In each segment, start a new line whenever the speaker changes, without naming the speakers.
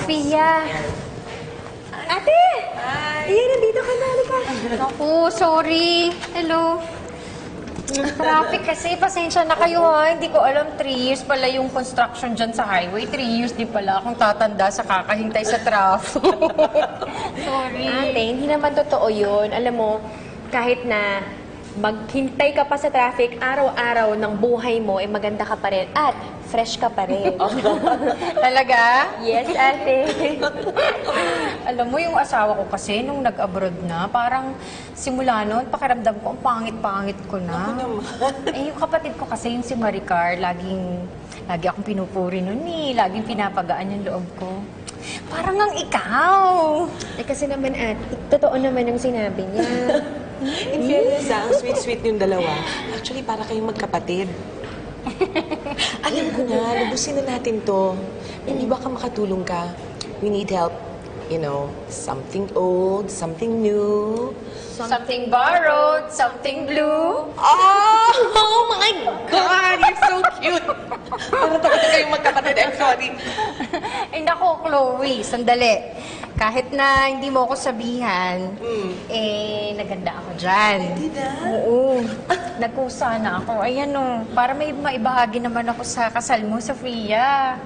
Sofia! Ate! Hi! Ayan, nandito ka na. Halika. Naku, sorry. Hello. Traffic kasi. Pasensya na kayo ha. Hindi ko alam 3 years pala yung construction dyan sa highway. 3 years di pala akong tatanda sa kakahintay sa traffic. Sorry.
Ate, hindi naman totoo yun. Alam mo, kahit na maghintay ka pa sa traffic, araw-araw ng buhay mo, eh maganda ka pa rin at fresh ka pa rin.
Talaga?
Yes, ate.
Alam mo, yung asawa ko kasi, nung nag-abroad na, parang simula noon, pakiramdam ko, ang pangit-pangit ko na. Eh, yung kapatid ko kasi, yung si Maricar, lagi akong pinupuri nun eh. Laging pinapagaan yung loob ko. Parang ang ikaw.
Eh kasi naman, ate, totoo naman ang sinabi niya.
In fairness, ang sweet-sweet yung dalawa. Actually, para kayong magkapatid. Alam ko na, lubusin na natin to. Hindi ba ka makatulong ka? We need help. You know, something old, something new.
Something borrowed, something blue.
Oh my God! You're so cute! Parang tapos na kayong magkapatid. I'm sorry.
Ay nako, Chloe, sandali. Kahit na hindi mo ako sabihan, eh, naganda ako dyan.
Hindi na?
Oo. Nagkusa na ako. Ayan o, para may maibahagi naman ako sa kasal mo, Sofia.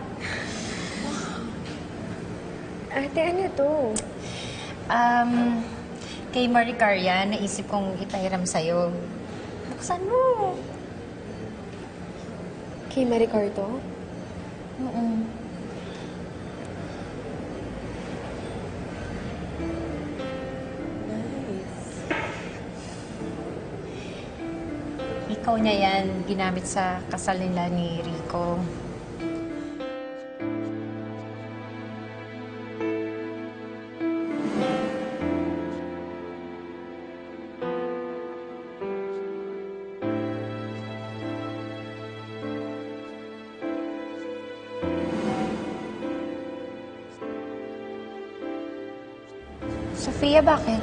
Ate, ano to?
Kay Maricar yan, naisip kong ipahiram sa'yo. Buksan mo.
Kay Maricar to?
Oo. Ikaw niya yan, ginamit sa kasal nila ni Rico. Sofia, bakit?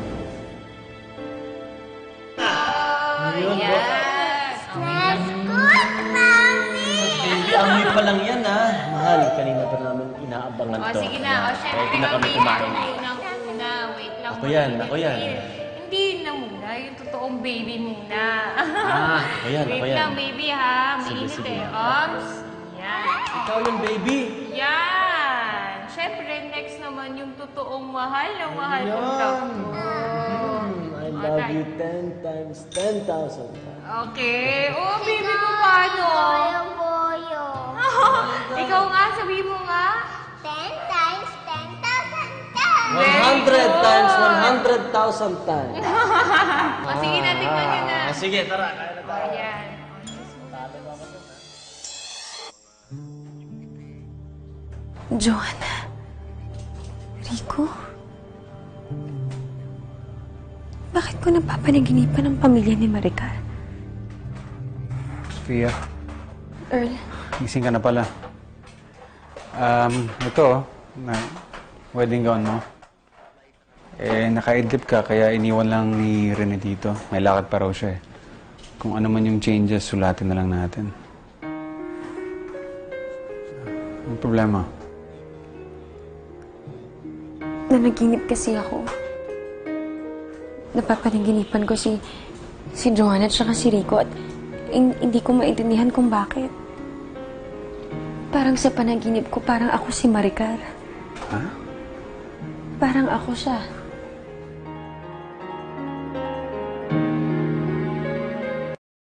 Baby, amoy pa lang yan, ha? Mahal, kanina pa namin inaabangan to.
Sige na. O, syempre,
Pwede na kami kumain.
Unang-una. Wait lang.
Ako yan.
Hindi na muna. Yung totoong baby muna.
Ako yan.
Wait lang, baby, ha?
Sige,
Mainit
sige.
Ops. Yan.
Ikaw yun, baby.
Yan. Syempre, next naman yung totoong mahal na mahal kong love ko.
I love you 10 times 10,000 times.
Okay. Oh, baby ko, paano?
Boyo.
Ikaw nga, sabi mo nga.
10 times 10,000 times.
100 times 100,000 times.
O, sige na, tignan nyo na.
Sige, tara. Kaya na tayo.
Ayan.
Joanna. Rico? Bakit ko napapanaginipan ang pamilya ni Maricar?
Sofia,
Earl,
gising ka na pala. Ito, wedding gown mo. Eh, nakaidlip ka, kaya iniwan lang ni Rene dito. May lakad pa raw siya eh. Kung ano man yung changes, sulatin na lang natin. Anong problema?
nanaginip kasi ako. Napapanaginipan ko si Joanna at saka si Rico at hindi ko maintindihan kung bakit. Parang sa panaginip ko, parang ako si Maricar.
Ha?
Parang ako siya.